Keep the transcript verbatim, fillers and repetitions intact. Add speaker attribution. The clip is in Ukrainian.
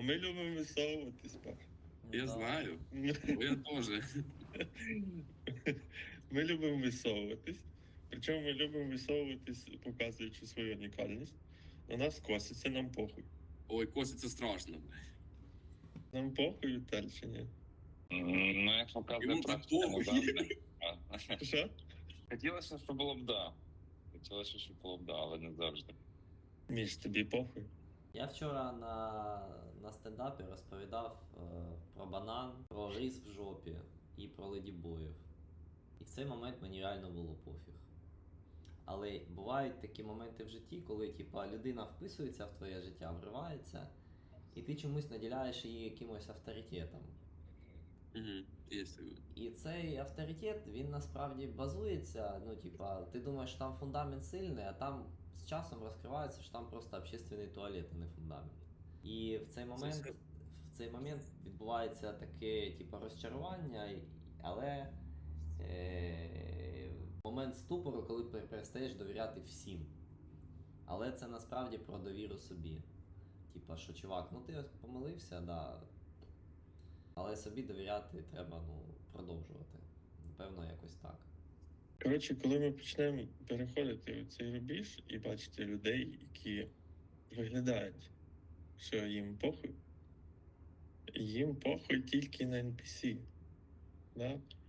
Speaker 1: ми любимо висовуватись, Паш.
Speaker 2: Я
Speaker 3: Да.
Speaker 2: знаю. Бо я теж.
Speaker 1: Ми любимо висовуватись. Причому ми любимо висовуватись, показуючи свою унікальність. На нас коситься, нам похуй.
Speaker 2: Ой, Костя, це страшно.
Speaker 1: Нам похуй, Віталь, чи ні?
Speaker 4: М, Ну, як показує
Speaker 2: Йому так
Speaker 4: практика, ну,
Speaker 2: похуй.
Speaker 4: да.
Speaker 1: Що?
Speaker 4: Хотілося, щоб було б да. Хотілося, щоб було б да, але не завжди.
Speaker 1: Між тобі похуй.
Speaker 3: Я вчора на, на стендапі розповідав е, про банан, про рис в жопі і про ледібоїв. І в цей момент мені реально було пофіг. Але бувають такі моменти в житті, коли типа, людина вписується в твоє життя, вривається, і ти чомусь наділяєш її якимось авторитетом.
Speaker 2: Угу, є таке.
Speaker 3: І цей авторитет, він насправді базується, ну, типа, ти думаєш, що там фундамент сильний, а там з часом розкривається, що там просто общественний туалет, а не фундамент. І в цей момент,
Speaker 2: все.
Speaker 3: в цей момент відбувається таке, типа, розчарування, і- але е- момент ступору, коли пер- перестаєш довіряти всім. Але це насправді про довіру собі. Типа, що чувак, ну ти помилився, да. Але собі довіряти треба, ну, продовжувати. Напевно, якось так.
Speaker 1: Коротше, коли ми почнемо переходити у цей рубіж і бачити людей, які виглядають, що їм похуй, їм похуй тільки на ен пі сі. Да?